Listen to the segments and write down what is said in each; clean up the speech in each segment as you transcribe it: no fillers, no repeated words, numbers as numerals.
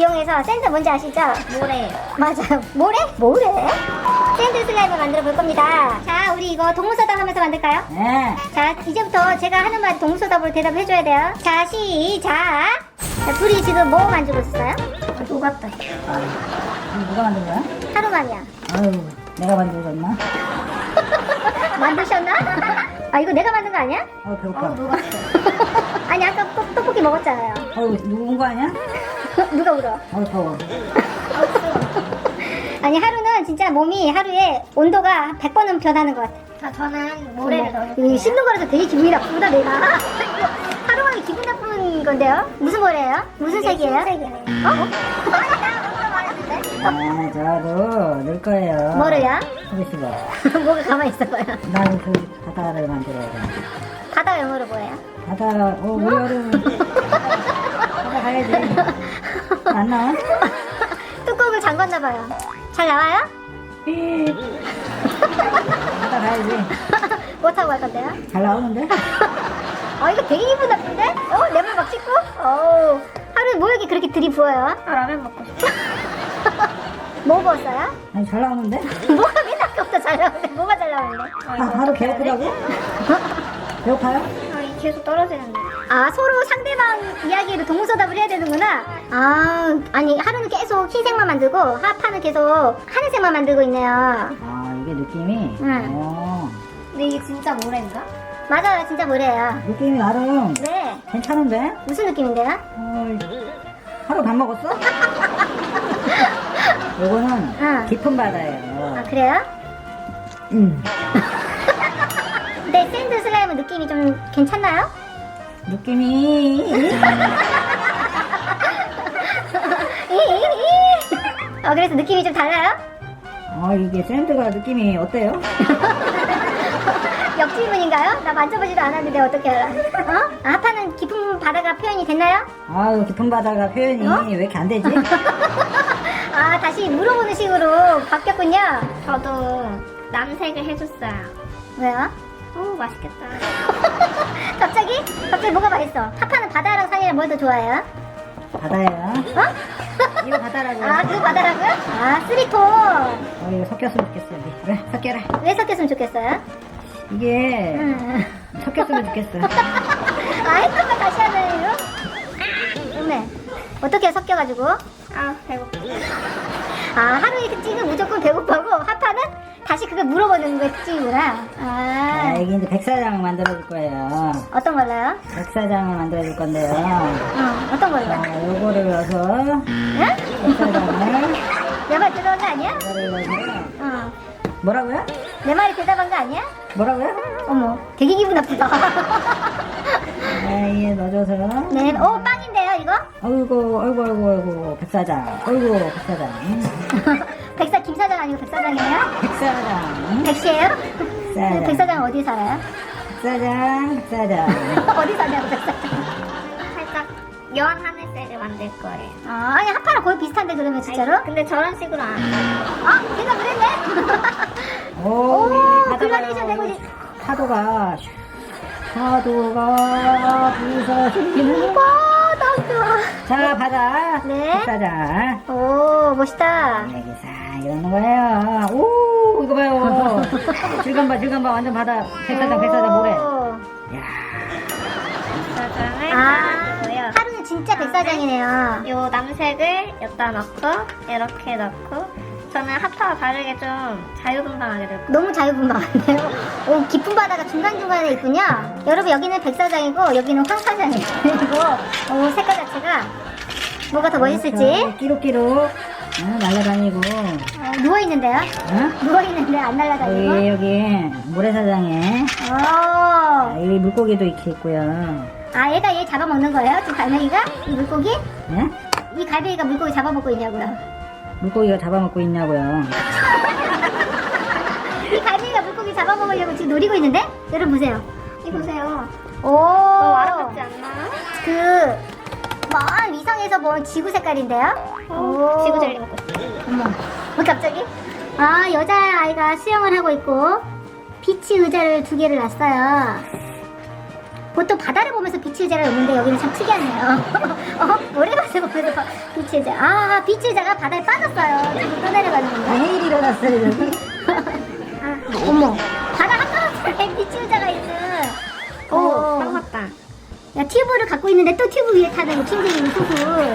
이용해서 샌드 뭔지 아시죠? 모래. 맞아요. 모래? 모래? 샌드 슬라임을 만들어 볼 겁니다. 자, 우리 이거 동문서답 하면서 만들까요? 네. 자, 이제부터 제가 하는 말 동문서답으로 대답해 줘야 돼요. 자, 시작. 자, 둘이 지금 뭐 만들고 있어요? 녹았다. 이거 누가 만든 거야? 하루만이야. 아유, 내가 만들었나? 만드셨나? 아, 이거 내가 만든 거 아니야? 배고파. 녹았어. 아니, 아까 떡볶이 먹었잖아요. 누구 온 거 아니야? 누가 울어? 더워. 아니, 하루는 진짜 몸이 하루에 온도가 100번은 변하는 것 같아. 자, 저는 모래를 넣을게요. 이거 씹는 거라서 되게 기분이 나쁘다, 내가. 하루만에 기분 나쁜 건데요? 무슨 모래예요? 무슨 색이에요? 흰색이네. 저도 넣을 거예요. 뭐를요? 그러시고. 뭐가 가만히 있어봐요. 나는 그 바다를 만들어야 돼. 바다 영어로 뭐예요? 바다, 우리 여름. 바다 가야지. 안 나와? 뚜껑을 잠궜나봐요. 잘 나와요? 바다 가야지. 뭐 타고 갈 건데요? 잘 나오는데? 이거 되게 기분 나쁜데? 레몬 막 씻고? 하루에 뭐 이렇게 그렇게 들이부어요? 라면 먹고 싶어. 뭐 부었어요? 아니, 잘 나오는데? 뭐가 맨날 없다 잘 나오는데? 뭐가 잘 나오는데? 하루 배고프다고? 배고파요? 계속 떨어지는데. 서로 상대방 이야기를 동문서답을 해야 되는구나. 아니 하루는 계속 흰색만 만들고 하파는 계속 하늘색만 만들고 있네요. 이게 느낌이? 응. 근데 이게 진짜 모래인가? 맞아요, 진짜 뭐래요. 느낌이 나름 네, 괜찮은데? 무슨 느낌인데요? 하루 밥 먹었어? 요거는 응. 깊은 바다예요. 그래요? 근데 샌드 슬라임은 느낌이 좀 괜찮나요? 느낌이 그래서 느낌이 좀 달라요? 이게 샌드가 느낌이 어때요? 역질문인가요? 나 만져보지도 않았는데 어떻게 알아? 하파는 깊은 바다가 표현이 됐나요? 깊은 바다가 표현이 왜 이렇게 안 되지? 다시 물어보는 식으로 바뀌었군요. 저도 남색을 해줬어요. 왜요? 맛있겠다. 갑자기 뭐가 맛있어? 하파는 바다랑 산이랑 뭘 더 좋아해요? 바다예요. 이거 바다라고요. 그거 바다라고요? 쓰리톤. 이거 섞였으면 좋겠어요. 그래, 섞여라. 왜 섞였으면 좋겠어요? 이게 섞였으면 좋겠어. 했던 걸 다시 하는 이유? 어메, 어떻게 섞여가지고? 배고파. 하루의 특징은 무조건 배고파고 하파는 다시 그걸 물어보는 게 특징이구나. 이게 이제 백사장을 만들어줄 거예요. 어떤 걸로요? 백사장을 만들어줄 건데요. 어떤 걸로? 요거를 넣어서 응? 백사장을 내 말 들어온 거 아니야? 이거를 넣어서 뭐라고요? 내 말이 대답한 거 아니야? 뭐라고요? 어머, 되게 기분 나쁘다. 이에 넣어줘서 네, 빵인데요, 이거? 아이고 백사장. 백사장. 김사장 아니고 백사장이에요? 백사장. 백시예요? 백사장. 백사장은 어디 살아요? 백사장. 어디 사냐고, 백사장. 살짝 연 하늘색을 만들 거예요. 아니, 하파랑 거의 비슷한데, 그러면 진짜로? 근데 저런 식으로 안 해요. 걔가 그랬네? 바다 글라데이션 봐요. 되고 있 파도가 부서지는 자, 바다. 네. 백사장. 멋있다. 여기 싹 이러는 거예요. 이거 봐요. 질감봐. 완전 바다. 백사장 모래. 야, 백사장을 넣고요. 하루는 진짜 백사장이네요. 요 남색을 여기다 넣고 이렇게 넣고 저는 하파와 다르게 좀 자유분방하게 넣을 거예요. 너무 자유분방한데요? 깊은 바다가 중간중간에 있군요. 여러분, 여기는 백사장이고, 여기는 황사장이에요. 그리고, 색깔 자체가 뭐가 더 멋있을지. 끼룩끼룩. 날아다니고. 누워있는데요? 어? 누워있는데 안 날아다니고. 여기 모래사장에. 여기 물고기도 이렇게 있고요. 얘가 얘 잡아먹는 거예요? 지금 갈매기가? 이 물고기? 예? 이 갈매기가 물고기 잡아먹고 있냐고요? 물고기가 잡아먹고 있냐고요. 이 갈매기가 물고기 잡아먹으려고 지금 노리고 있는데? 여러분 보세요. 이 보세요. 너무 아름답지 않나요? 먼 위성에서 본 지구 색깔인데요? 지구 젤리 먹고 있어요. 어머, 갑자기? 여자아이가 수영을 하고 있고 비치 의자를 2개를 놨어요. 보통 바다를 보면서 빛의 자가 오는데 여기는 참 특이하네요. 모래밭을 보면서 빛의 자. 아, 빛의 자가 바다에 빠졌어요. 지금 떠내려가는 건가? 내일 일어났어요 여기. 아, 어머. 바다 한가운데 빛의 자가 있는. 오, 딱 맞다. 야, 튜브를 갖고 있는데 또 튜브 위에 타는 킹딩이 소굴.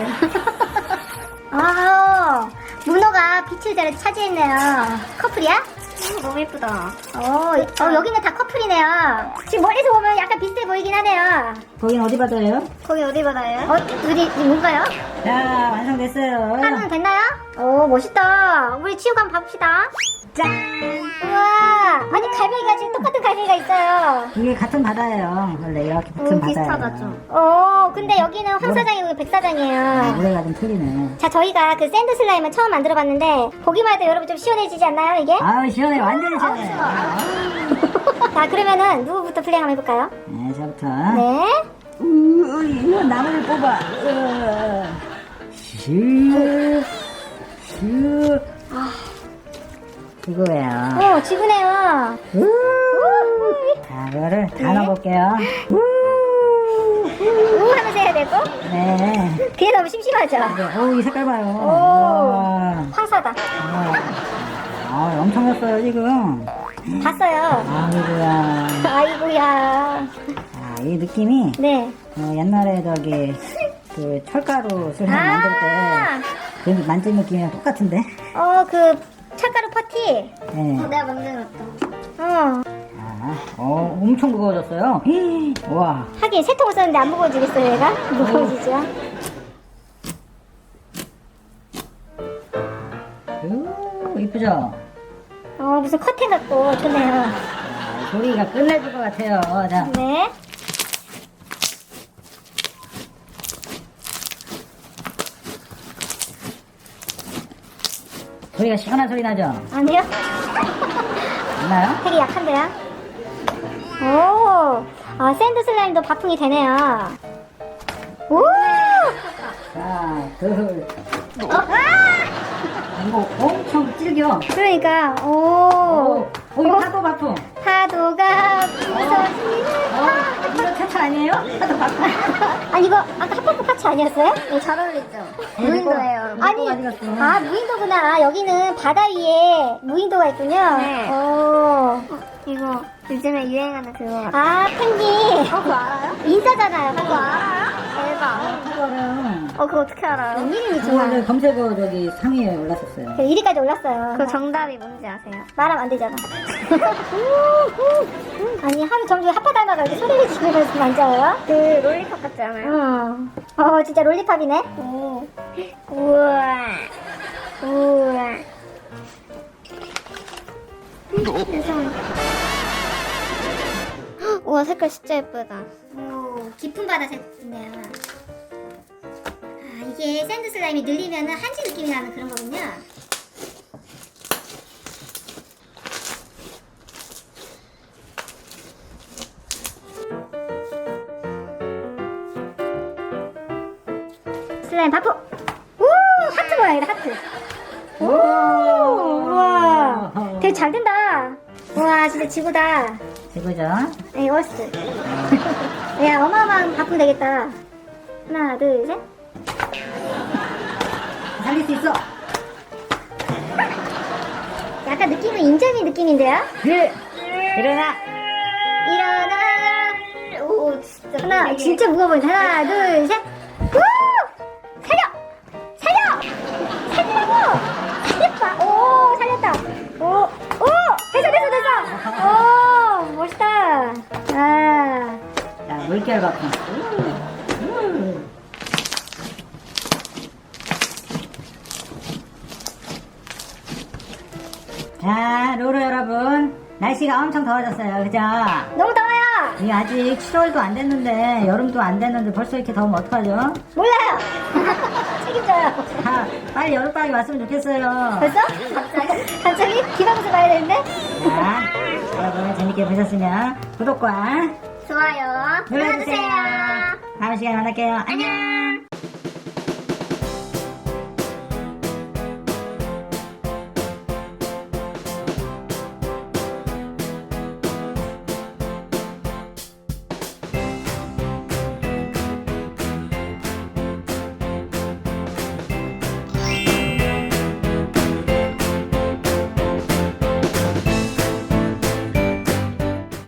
아, 문어가 빛의 자를 차지했네요. 커플이야? 너무 예쁘다. 여기는 다 커플이네요. 지금 멀리서 보면 약간 비슷해 보이긴 하네요. 거긴 어디 바다예요? 거기 어디 바다예요? 둘이 뭔가요? 자 완성됐어요. 하루는 됐나요? 오, 멋있다. 우리 치우고 한번 봐봅시다. 짠! 우와! 아니, 갈매기가 지금 똑같은 갈매기가 있어요. 이게 같은 바다예요. 원래 이렇게 붙은 바다예요. 비슷하다 좀. 근데 여기는 황 사장이고 백 사장이에요. 모래가 좀 틀리네. 자, 저희가 그 샌드 슬라임을 처음 만들어봤는데 보기만 해도 여러분 좀 시원해지지 않나요, 이게? 아우 시원해 완전히 시원해. 자, 그러면은 누구부터 플레이 한번 해볼까요? 네 저부터. 네. 이거 나무를 뽑아. 슈. 이거예요. 지구네요. 자 이거를 다 넣어볼게요. 우 하면서 해야 되고. 네. 그게 너무 심심하죠? 이 색깔 봐요. 오, 황사다. 엄청 넣었어요 지금. 봤어요. 아이고야. 아이고야. 이 느낌이 네. 옛날에 저기 그 철가루 슬라임 만들 때 그 만진 느낌이랑 똑같은데. 그 철가루 퍼티. 네. 내가 만들었다. 엄청 무거워졌어요. 와. 하긴 세 통을 썼는데 안 무거워지겠어요, 얘가? 무거워지죠. 이쁘죠? 무슨 커튼 같고 좋네요. 소리가 끝내줄 것 같아요. 자. 네. 소리가 시원한 소리 나죠? 아니요? 맞나요? 되게 약한데요? 샌드 슬라임도 바풍이 되네요. 오! 자, 이거 엄청 질겨. 그러니까, 이 파도 바풍. 파도가 부서지는 이거 차차 아니에요? 파도 바풍. 아니, 이거 아까 핫퍼프 파츠 아니었어요? 네, 잘 어울리죠? 무인도예요. 아니, 무인도구나. 여기는 바다 위에 무인도가 있군요. 네. 이거 요즘에 유행하는 그거 같아. 펭귄. 그거 알아요? 인싸잖아요. 그거 알아요? 대박. 이거는 그거 어떻게 알아요? 이름이 좋아. 오늘 검색어 저기 상위에 올랐었어요. 1위까지 올랐어요. 그 정답이 뭔지 아세요? 말하면 안 되잖아. 아니, 하루 종일 핫파 닮아가 이렇게 소리를 지르면서 만져요? 그 롤리팝 같지 않아요? 진짜 롤리팝이네? 우와. 우와, 색깔 진짜 예쁘다. 깊은 바다 색이네요. 이게 샌드 슬라임이 늘리면 한지 느낌이 나는 그런 거군요. 슬라임 바포! 하트 모양이다, 하트. 우와. 되게 잘 된다. 우와, 진짜 지구다. 지구죠? 네, 어스. 야, 어마어마한 바풍 되겠다. 하나, 둘, 셋. 살릴 수 있어. 약간 느낌은 인절미 느낌인데요? 일어나. 일어나. 오, 진짜. 하나, 진짜 무거워 보인다. 하나, 둘, 셋. 우! 살려! 살리라고! 살렸다. 오, 살렸다. 오, 됐어. 오, 멋있다. 자, 물결 바풍. 자, 로로 여러분. 날씨가 엄청 더워졌어요. 그죠? 너무 더워요. 이게 아직 7월도 안 됐는데, 여름도 안 됐는데 벌써 이렇게 더우면 어떡하죠? 몰라요. 책임져요. 자, 빨리 여름방학이 왔으면 좋겠어요. 벌써? 갑자기? 기방에서 봐야 되는데? 자, 여러분 재밌게 보셨으면 구독과 좋아요. 눌러주세요. 다음 시간에 만날게요. 안녕!